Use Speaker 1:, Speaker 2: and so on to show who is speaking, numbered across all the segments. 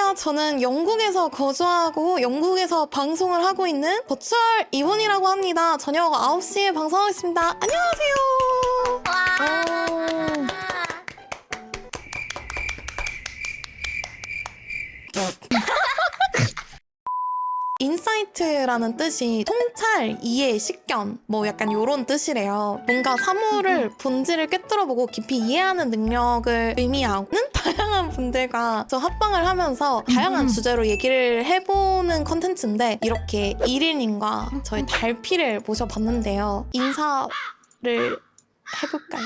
Speaker 1: 안녕하세요. 저는 영국에서 거주하고 영국에서 방송을 하고 있는 버추얼 이혼이라고 합니다. 저녁 9시에 방송하겠습니다. 안녕하세요. 인사이트라는 뜻이 통찰, 이해, 식견 뭐 약간 요런 뜻이래요. 뭔가 사물을 본질을 꿰뚫어보고 깊이 이해하는 능력을 의미하는 다양한 분들과 저 합방을 하면서 다양한 주제로 얘기를 해보는 컨텐츠인데 이렇게 이릴님과 저희 달피를 모셔봤는데요. 인사를 해볼까요?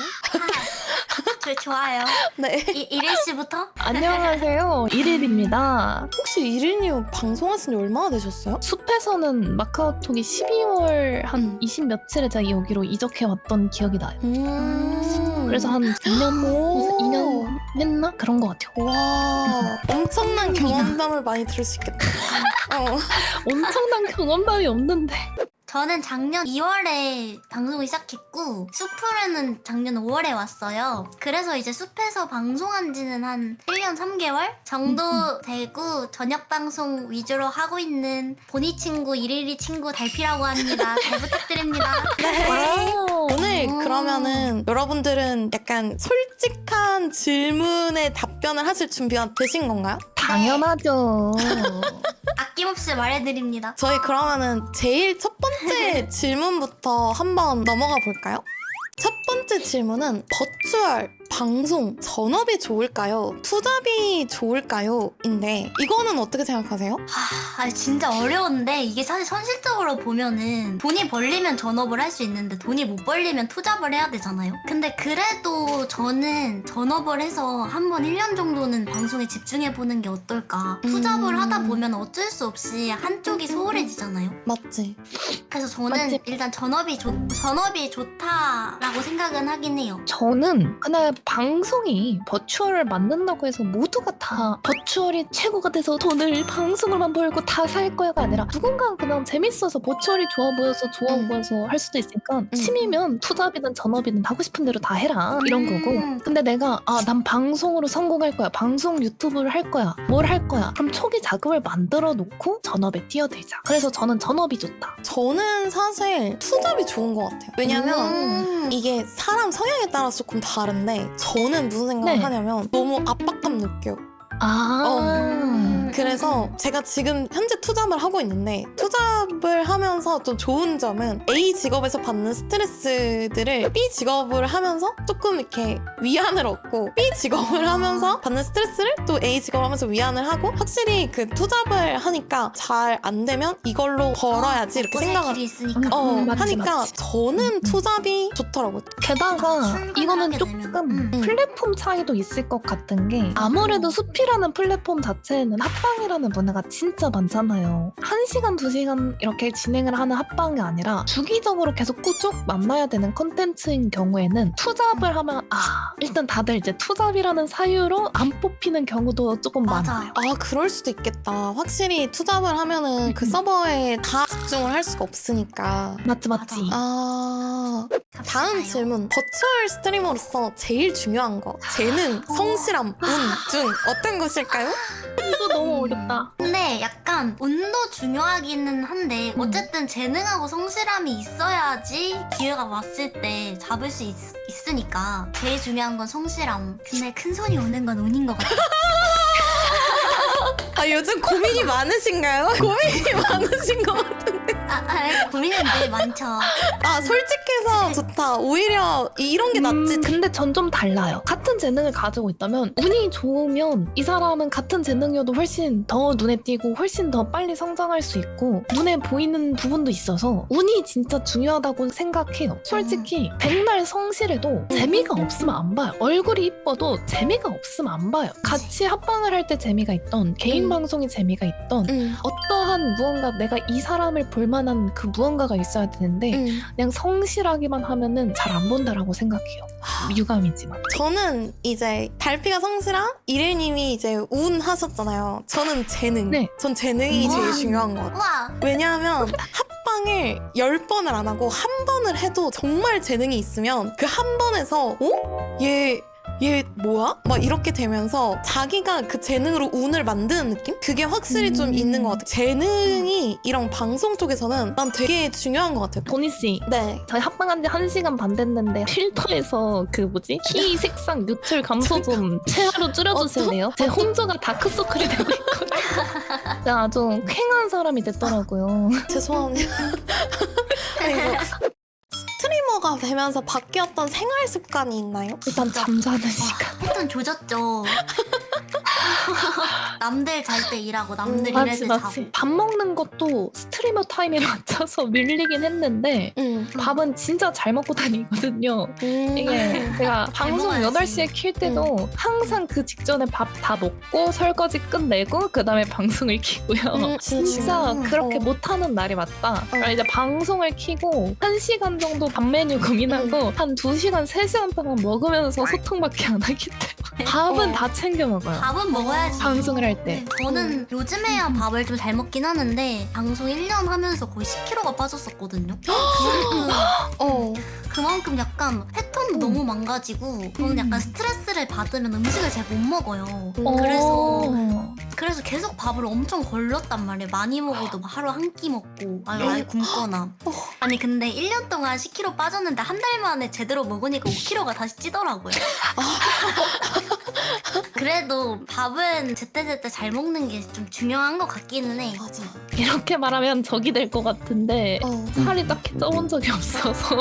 Speaker 2: 좋아요.
Speaker 1: 네.
Speaker 2: 이릴 씨부터?
Speaker 3: 안녕하세요. 이릴입니다.
Speaker 1: 혹시 이릴님 방송하신 지 얼마나 되셨어요?
Speaker 3: 숲에서는 마카오톡이 12월 한 20 며칠에 제가 여기로 이적해 왔던 기억이 나요. 그래서 한 2년 했나? 그런 것 같아요.
Speaker 1: 와, 엄청난 경험담을 많이 들을 수 있겠다.
Speaker 3: 엄청난 경험담이 없는데.
Speaker 2: 저는 작년 2월에 방송을 시작했고 숲으로는 작년 5월에 왔어요. 그래서 이제 숲에서 방송한 지는 한 1년 3개월 정도 되고 저녁 방송 위주로 하고 있는 보니 친구, 이리리 친구 달피라고 합니다. 잘 부탁드립니다.
Speaker 1: 오늘 그러면은 여러분들은 약간 솔직한 질문에 답변을 하실 준비가 되신 건가요?
Speaker 3: 당연하죠.
Speaker 2: 아낌없이 말해드립니다.
Speaker 1: 저희 그러면은 제일 첫 번째 질문부터 한번 넘어가 볼까요? 첫 번째 질문은 버추얼 방송 전업이 좋을까요? 투잡이 좋을까요? 인데 이거는 어떻게 생각하세요?
Speaker 2: 진짜 어려운데 이게 사실 현실적으로 보면은 돈이 벌리면 전업을 할 수 있는데 돈이 못 벌리면 투잡을 해야 되잖아요. 근데 그래도 저는 전업을 해서 한번 1년 정도는 방송에 집중해보는 게 어떨까. 투잡을 하다 보면 어쩔 수 없이 한쪽이 소홀해지잖아요.
Speaker 1: 맞지?
Speaker 2: 그래서 저는
Speaker 3: 맞지?
Speaker 2: 일단 전업이 좋다라고 생각은 하긴 해요.
Speaker 3: 저는 그날 방송이 버추얼을 만든다고 해서 모두가 다 버추얼이 최고가 돼서 돈을 방송을만 벌고 다 살 거야가 아니라 누군가는 그냥 재밌어서 버추얼이 좋아 보여서 할 수도 있으니까 취미면 투잡이든 전업이든 하고 싶은 대로 다 해라 이런 거고. 근데 내가 난 방송으로 성공할 거야, 방송 유튜브를 할 거야, 뭘 할 거야, 그럼 초기 자금을 만들어 놓고 전업에 뛰어들자. 그래서 저는 전업이 좋다.
Speaker 1: 저는 사실 투잡이 좋은 것 같아요. 왜냐면 이게 사람 성향에 따라서 조금 다른데 저는 무슨 생각을
Speaker 3: 네.
Speaker 1: 하냐면 너무 압박감 느껴요. 그래서 제가 지금 현재 투잡을 하고 있는데 투잡을 하면서 좀 좋은 점은 A 직업에서 받는 스트레스들을 B 직업을 하면서 조금 이렇게 위안을 얻고 B 직업을 하면서 받는 스트레스를 또 A 직업을 하면서 위안을 하고 확실히 그 투잡을 하니까 잘 안 되면 이걸로 벌어야지 이렇게 생각을
Speaker 2: 길이 있으니까.
Speaker 3: 맞지,
Speaker 1: 하니까
Speaker 3: 맞지.
Speaker 1: 저는 투잡이 좋더라고요.
Speaker 3: 게다가 이거는
Speaker 2: 출근하게
Speaker 3: 조금
Speaker 2: 되면.
Speaker 3: 플랫폼 차이도 있을 것 같은 게 아무래도 숲이라는 플랫폼 자체에는 합방이라는 문화가 진짜 많잖아요. 1시간, 2시간 이렇게 진행을 하는 합방이 아니라 주기적으로 계속 꾸준히 만나야 되는 컨텐츠인 경우에는 투잡을 하면 일단 다들 이제 투잡이라는 사유로 안 뽑히는 경우도 조금 많아요.
Speaker 2: 맞아요.
Speaker 1: 그럴 수도 있겠다. 확실히 투잡을 하면은 그 서버에 다 집중을 할 수가 없으니까.
Speaker 3: 맞지.
Speaker 1: 다음 질문. 버추얼 스트리머로서 제일 중요한 거. 재능, 성실함, 운 중 어떤 것일까요?
Speaker 3: 이거 너무 어렵다.
Speaker 2: 근데 약간 운도 중요하기는 한데 어쨌든 재능하고 성실함이 있어야지 기회가 왔을 때 잡을 수 있으니까 제일 중요한 건 성실함. 근데 큰 손이 오는 건 운인 것 같아요.
Speaker 1: 요즘 고민이 많으신가요? 고민이 많으신 것 같은데.
Speaker 2: 고민은 늘 많죠.
Speaker 1: 솔직해서 좋다. 오히려 이런 게 낫지.
Speaker 3: 근데 전 좀 달라요. 같은 재능을 가지고 있다면 운이 좋으면 이 사람은 같은 재능이어도 훨씬 더 눈에 띄고 훨씬 더 빨리 성장할 수 있고 눈에 보이는 부분도 있어서 운이 진짜 중요하다고 생각해요. 솔직히 백날 성실해도 재미가 없으면 안 봐요. 얼굴이 이뻐도 재미가 없으면 안 봐요. 같이 합방을 할 때 재미가 있던 개인 방송이 재미가 있던 어떠한 무언가 내가 이 사람을 볼만한 그 무언가가 있어야 되는데 그냥 성실하기만 하면은 잘 안 본다라고 생각해요. 유감이지만.
Speaker 1: 저는 이제 달피가 성실함, 이래님이 이제 운 하셨잖아요. 저는 재능.
Speaker 3: 네.
Speaker 1: 전 재능이 제일 중요한 것 같아요.
Speaker 2: 우와.
Speaker 1: 왜냐하면 합방을 10번을 안 하고 한 번을 해도 정말 재능이 있으면 그 한 번에서 얘 얘 뭐야? 막 이렇게 되면서 자기가 그 재능으로 운을 만드는 느낌? 그게 확실히 좀 있는 것 같아요. 재능이 이런 방송 쪽에서는 난 되게 중요한 것 같아요.
Speaker 3: 도니씨,
Speaker 1: 네.
Speaker 3: 저희 합방한 지 1시간 반 됐는데 필터에서 그 뭐지? 키 색상 유출 감소 좀 최하로 줄여주실래요? 제 홍조가 다크서클이 되고 있거든요. 제가 아주 쾌한 사람이 됐더라고요.
Speaker 1: 죄송합니다. 아이고. 스트리머가 되면서 바뀌었던 생활 습관이 있나요?
Speaker 3: 일단 잠자는 시간.
Speaker 2: 패턴 조졌죠. 남들 잘 때 일하고 남들 일할
Speaker 3: 맞지
Speaker 2: 때
Speaker 3: 맞지.
Speaker 2: 자고.
Speaker 3: 밥 먹는 것도 스트리머 타임에 맞춰서 밀리긴 했는데 밥은 진짜 잘 먹고 다니거든요. 이게 제가 방송
Speaker 2: 먹어야지.
Speaker 3: 8시에 킬 때도 항상 그 직전에 밥 다 먹고 설거지 끝내고 그 다음에 방송을 키고요. 진짜 그렇게 못하는 날이 맞다. 그러니까 이제 방송을 키고 1시간 정도 밥 메뉴 고민하고 한 2시간, 3시간 동안 먹으면서 소통밖에 안 하기 때문에 밥은 다 챙겨 먹어요.
Speaker 2: 밥은 먹어야지.
Speaker 3: 방송을 할 때.
Speaker 2: 네, 저는 요즘에야 밥을 좀 잘 먹긴 하는데 방송 1년 하면서 거의 10kg가 빠졌었거든요. 그만큼 약간 패턴도 너무 망가지고 저는 약간 스트레스를 받으면 음식을 잘 못 먹어요. 그래서 계속 밥을 엄청 걸렀단 말이에요. 많이 먹어도 막 하루 한 끼 먹고 아예 굶거나. 아니 근데 1년 동안 10kg 빠졌는데 한 달 만에 제대로 먹으니까 5kg가 다시 찌더라고요. 그래도 밥은 제때제때 잘 먹는 게 좀 중요한 것 같기는 해.
Speaker 1: 맞아.
Speaker 3: 이렇게 말하면 적이 될 것 같은데 살이 딱히 쪄본 적이 없어서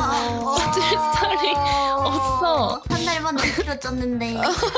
Speaker 3: 살이 없어.
Speaker 2: 한 달 만에 5kg 쪘는데.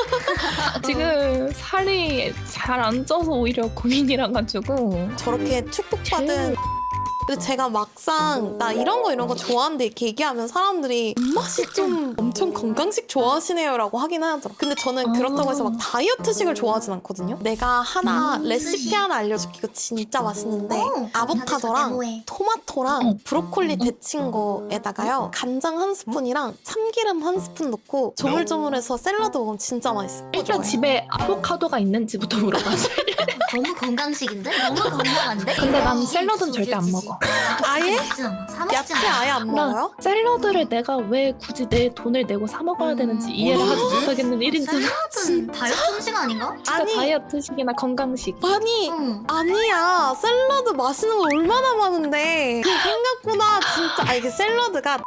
Speaker 3: 지금 살이 잘 안 쪄서 오히려 고민이라 가지고
Speaker 1: 저렇게 축복받은 근데 제가 막상 나 이런 거 좋아하는데 이렇게 얘기하면 사람들이 입맛이 좀 엄청 건강식 좋아하시네요 라고 하긴 하더라고요. 근데 저는 그렇다고 해서 막 다이어트식을 좋아하진 않거든요. 내가 하나 레시피 하나 알려줄게. 이거 진짜 맛있는데 아보카도랑 토마토랑 브로콜리 데친 거에다가요 간장 한 스푼이랑 참기름 한 스푼 넣고 조물조물해서 샐러드 먹으면 진짜 맛있어요.
Speaker 3: 일단 집에 아보카도가 있는지부터 물어봐줘요.
Speaker 2: 너무 건강식인데? 너무 건강한데?
Speaker 3: 근데 난 샐러드는 절대 안 먹어.
Speaker 1: 아예?
Speaker 2: 사 먹지
Speaker 1: 야채
Speaker 2: 않아.
Speaker 1: 아예 안
Speaker 3: 나
Speaker 1: 먹어요?
Speaker 3: 샐러드를 내가 왜 굳이 내 돈을 내고 사 먹어야 되는지 이해를 하지 못하겠는 1인분.
Speaker 2: 샐러드는 다이어트 음식 아닌가?
Speaker 3: 진짜
Speaker 1: 아니.
Speaker 3: 다이어트식이나 건강식.
Speaker 1: 아니
Speaker 2: 응.
Speaker 1: 아니야 샐러드 맛있는 거 얼마나 많은데 생각보다 진짜 이게 샐러드가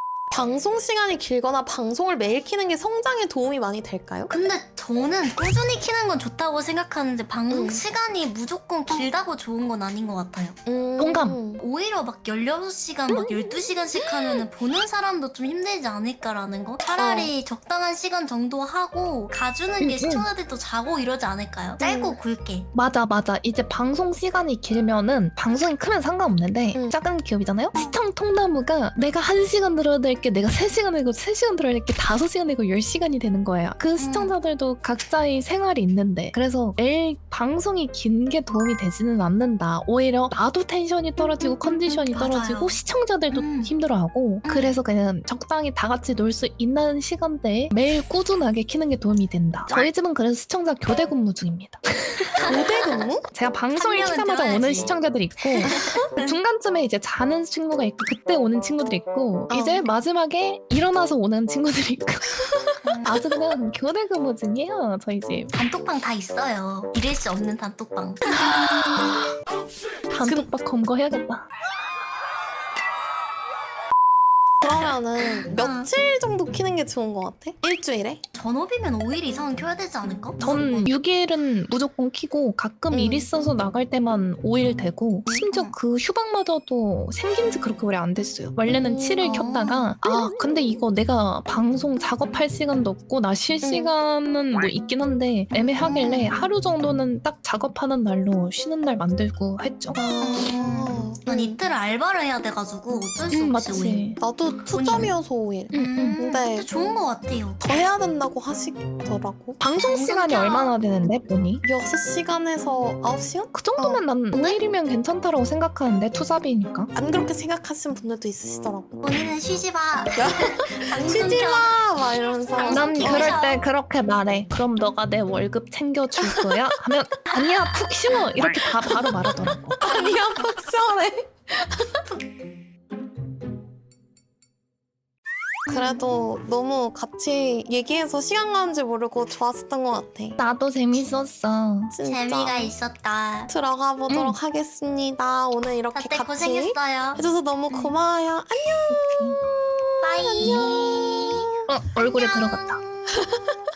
Speaker 1: 방송 시간이 길거나 방송을 매일 키는 게 성장에 도움이 많이 될까요?
Speaker 2: 근데 저는 꾸준히 키는 건 좋다고 생각하는데 방송 시간이 무조건 길다고 좋은 건 아닌 것 같아요.
Speaker 3: 공감.
Speaker 2: 오히려 막 16시간, 막 12시간씩 하면은 보는 사람도 좀 힘들지 않을까라는 거? 차라리 적당한 시간 정도 하고 가주는 게 시청자들도 자고 이러지 않을까요? 짧고 굵게.
Speaker 3: 맞아. 이제 방송 시간이 길면은 방송이 크면 상관없는데 작은 기업이잖아요? 시청 통나무가 내가 1시간 들어야 될 게 내가 3시간 내고 3시간 들어야 될 게 5시간 내고 10시간이 되는 거예요. 그 시청자들도 각자의 생활이 있는데 그래서 매일 방송이 긴 게 도움이 되지는 않는다. 오히려 나도 텐션이 떨어지고 컨디션이
Speaker 2: 맞아요.
Speaker 3: 떨어지고 시청자들도 힘들어하고 그래서 그냥 적당히 다 같이 놀 수 있는 시간대에 매일 꾸준하게 키는 게 도움이 된다. 저희 집은 그래서 시청자 교대 근무 중입니다.
Speaker 1: 교대 근무?
Speaker 3: 제가 방송을
Speaker 2: 한 명은
Speaker 3: 키자마자
Speaker 2: 들어야지.
Speaker 3: 오는 시청자들이 있고 중간쯤에 이제 자는 친구가 있고 그때 오는 친구들이 있고 이제 마지막에 일어나서 오는 친구들이 있고 아주 그냥 교대 근무 중이에요 저희 집.
Speaker 2: 단톡방 다 있어요. 잃을 수 없는 단톡방.
Speaker 3: 단톡방 검거해야겠다.
Speaker 1: 그러면은 며칠 정도 키는 게 좋은 것 같아? 일주일에?
Speaker 2: 전업이면 5일 이상은 켜야 되지 않을까?
Speaker 3: 전 6일은 무조건 키고 가끔 일 있어서 나갈 때만 5일 되고 심지어 그 휴방마저도 생긴 지 그렇게 오래 안 됐어요. 원래는 7일 켰다가 근데 이거 내가 방송 작업할 시간도 없고 나 쉴 시간은 뭐 있긴 한데 애매하길래 하루 정도는 딱 작업하는 날로 쉬는 날 만들고 했죠.
Speaker 2: 난 이틀을 알바를 해야 돼가지고 어쩔 수 없이 5일.
Speaker 3: 맞지.
Speaker 1: 나도 투잡이어서 5일.
Speaker 2: 근데
Speaker 1: 근데
Speaker 2: 좋은 것 같아요.
Speaker 1: 더 해야 된다고 하시더라고.
Speaker 3: 방송 시간이 얼마나 되는데 보니?
Speaker 1: 6시간에서 9시간?
Speaker 3: 그 정도면 난 5일이면 괜찮다라고 생각하는데 투잡이니까.
Speaker 1: 안 그렇게 생각하시는 분들도 있으시더라고.
Speaker 2: 본인은 쉬지 마.
Speaker 1: 쉬지 마! 막 이러면서.
Speaker 3: 난
Speaker 2: 켜서.
Speaker 3: 그럴 때 그렇게 말해. 그럼 너가 내 월급 챙겨줄 거야? 하면 아니야 푹 쉬어 이렇게 다 바로 말하더라고.
Speaker 1: 아니야, 푹 시원해. 그래도 너무 같이 얘기해서 시간 가는지 모르고 좋았었던 것 같아.
Speaker 3: 나도 재밌었어.
Speaker 1: 진짜.
Speaker 2: 재미가 있었다.
Speaker 1: 들어가 보도록 하겠습니다. 오늘 이렇게
Speaker 2: 다들
Speaker 1: 같이
Speaker 2: 고생했어요.
Speaker 1: 해줘서 너무 고마워요. 안녕.
Speaker 2: 빠이.
Speaker 3: 얼굴에 들어갔다.